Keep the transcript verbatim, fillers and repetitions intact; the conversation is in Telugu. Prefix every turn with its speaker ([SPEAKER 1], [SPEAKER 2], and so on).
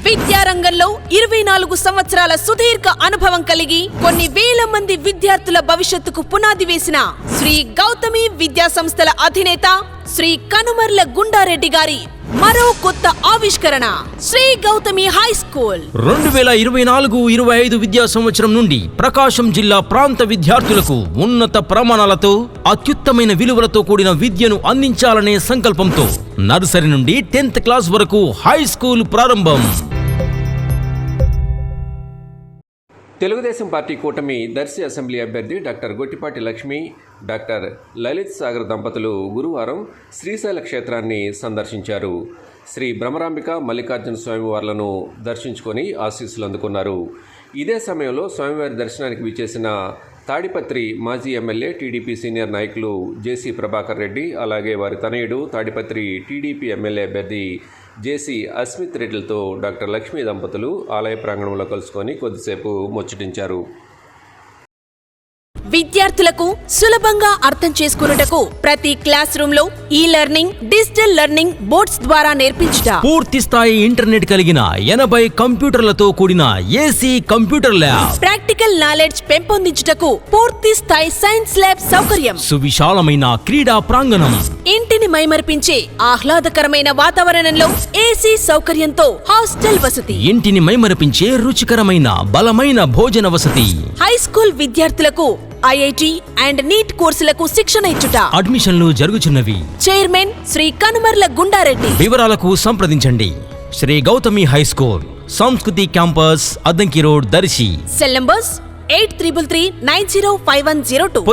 [SPEAKER 1] విద్యారంగంలో ఇరవై నాలుగు సంవత్సరాల సుదీర్ఘ అనుభవం కలిగి కొన్ని వేల మంది విద్యార్థుల భవిష్యత్తుకు పునాది వేసిన శ్రీ గౌతమి విద్యా సంస్థల అధినేత శ్రీ కనుమర్ల గుండారెడ్డి గారి మరో కొత్త ఆవిష్కరణ శ్రీ గౌతమి హై స్కూల్.
[SPEAKER 2] రెండు వేల ఇరవై నాలుగు ఇరవై ఐదు విద్యా సంవత్సరం నుండి ప్రకాశం జిల్లా ప్రాంత విద్యార్థులకు ఉన్నత ప్రమాణాలతో అత్యుత్తమైన విలువలతో కూడిన విద్యను అందించాలనే సంకల్పంతో నర్సరీ నుండి టెన్త్ క్లాస్ వరకు హై స్కూల్ ప్రారంభం.
[SPEAKER 3] తెలుగుదేశం పార్టీ కూటమి దర్శి అసెంబ్లీ అభ్యర్థి డాక్టర్ గొట్టిపాటి లక్ష్మి, డాక్టర్ లలిత్ సాగర్ దంపతులు గురువారం శ్రీశైల క్షేత్రాన్ని సందర్శించారు. శ్రీ భ్రమరాంబిక మల్లికార్జున స్వామివార్లను దర్శించుకొని ఆశీస్సులు అందుకున్నారు. ఇదే సమయంలో స్వామివారి దర్శనానికి విచ్చేసిన తాడిపత్రి మాజీ ఎమ్మెల్యే టీడీపీ సీనియర్ నాయకులు జేసీ ప్రభాకర్ రెడ్డి, అలాగే వారి తనయుడు తాడిపత్రి టీడీపీ ఎమ్మెల్యే అభ్యర్థి జేసీ అస్మిత్ రెడ్డిలతో డాక్టర్ లక్ష్మీ దంపతులు ఆలయ ప్రాంగణంలో కలుసుకొని కొద్దిసేపు ముచ్చటించారు.
[SPEAKER 1] విద్యార్థులకు సులభంగా అర్థం చేసుకున్నటకు ప్రతి క్లాస్ రూమ్ లో ఈ లెర్నింగ్, డిజిటల్ లెర్నింగ్ బోర్డ్స్ ద్వారా నేర్పించుట,
[SPEAKER 2] పూర్తి స్థాయి ఇంటర్నెట్ కలిగిన ఎనభై కంప్యూటర్లతో కూడిన AC computer lab,
[SPEAKER 1] practical knowledge పెంపొందించుటకు పూర్తి స్థాయి సైన్స్ ల్యాబ్ సౌకర్యం,
[SPEAKER 2] సువిశాలమైన క్రీడా ప్రాంగణం,
[SPEAKER 1] ఇంటిని మైమర్పించే ఆహ్లాదకరమైన వాతావరణంలో ఏసీ సౌకర్యంతో హాస్టల్ వసతి,
[SPEAKER 2] ఇంటిని మైమరపించే రుచికరమైన బలమైన భోజన వసతి,
[SPEAKER 1] హై స్కూల్ విద్యార్థులకు ఐఐటి అండ్ నీట్ కోర్సులకు శిక్షణ ఇచ్చుట,
[SPEAKER 2] అడ్మిషన్లు జరుగుచున్నవి.
[SPEAKER 1] చైర్మన్ శ్రీ కనుమర్ల గుండారెడ్డి.
[SPEAKER 2] వివరాలకు సంప్రదించండి. Shri Gautami high school, Sanskriti campus, Addanki road, Darsi.
[SPEAKER 1] Cell numbers eight triple three nine zero five one zero two.